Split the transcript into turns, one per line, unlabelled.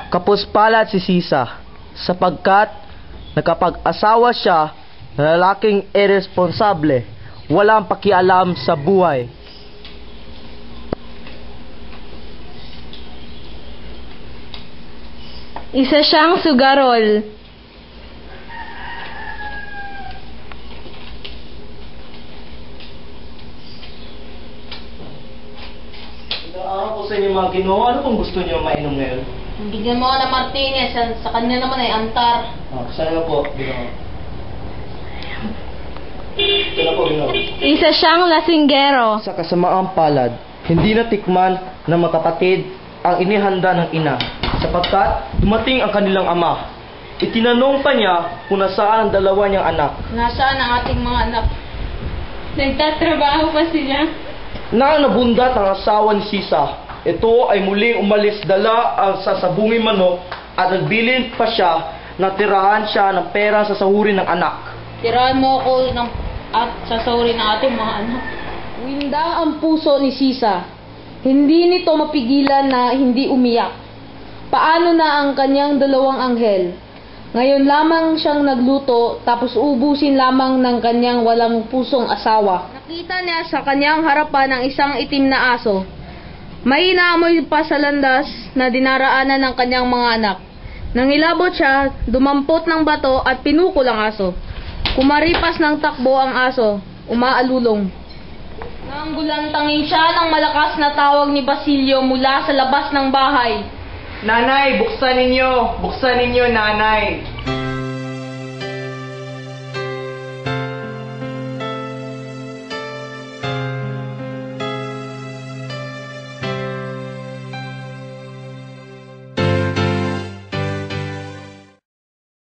Kapuspalad si Sisa, sapagkat nakapag-asawa siya na lalaking irresponsable, walang pakialam sa buhay.
Isa siyang sugarol.
Naawa ko sa inyo mga Ginoo, ano pong gusto niyo mainom ngayon?
Bigyan mo ka ng Martinez, sa kanya naman ay antar.
Saan na po, Ginoo? Ito na po, Ginoo.
Isa siyang lasinggero.
Sa kasamaang palad, hindi natikman ng makapatid ang inihanda ng ina, sapagkat dumating ang kanilang ama. Itinanong pa niya kung nasaan ang dalawa niyang anak.
Nasaan ang ating mga anak? Nagtatrabaho pa sila.
Nang nabundat ang asawa ni Sisa, ito ay muling umalis dala ang sasabunging manok at nagbilin pa siya na tirahan siya ng pera sa sahurin ng anak.
Tirahan mo ako at sasahurin ng ating mga anak.
Windang ang puso ni Sisa. Hindi nito mapigilan na hindi umiyak. Paano na ang kanyang dalawang anghel? Ngayon lamang siyang nagluto tapos ubusin lamang ng kanyang walang pusong asawa. Nakita niya sa kanyang harapan ang isang itim na aso. May inaamoy pa sa landas na dinaraanan ng kanyang mga anak. Nangilabot siya, dumampot ng bato at pinukol ang aso. Kumaripas ng takbo ang aso, umaalulong. Nanggulantangin siya ng malakas na tawag ni Basilio mula sa labas ng bahay.
Nanay, buksan ninyo, nanay.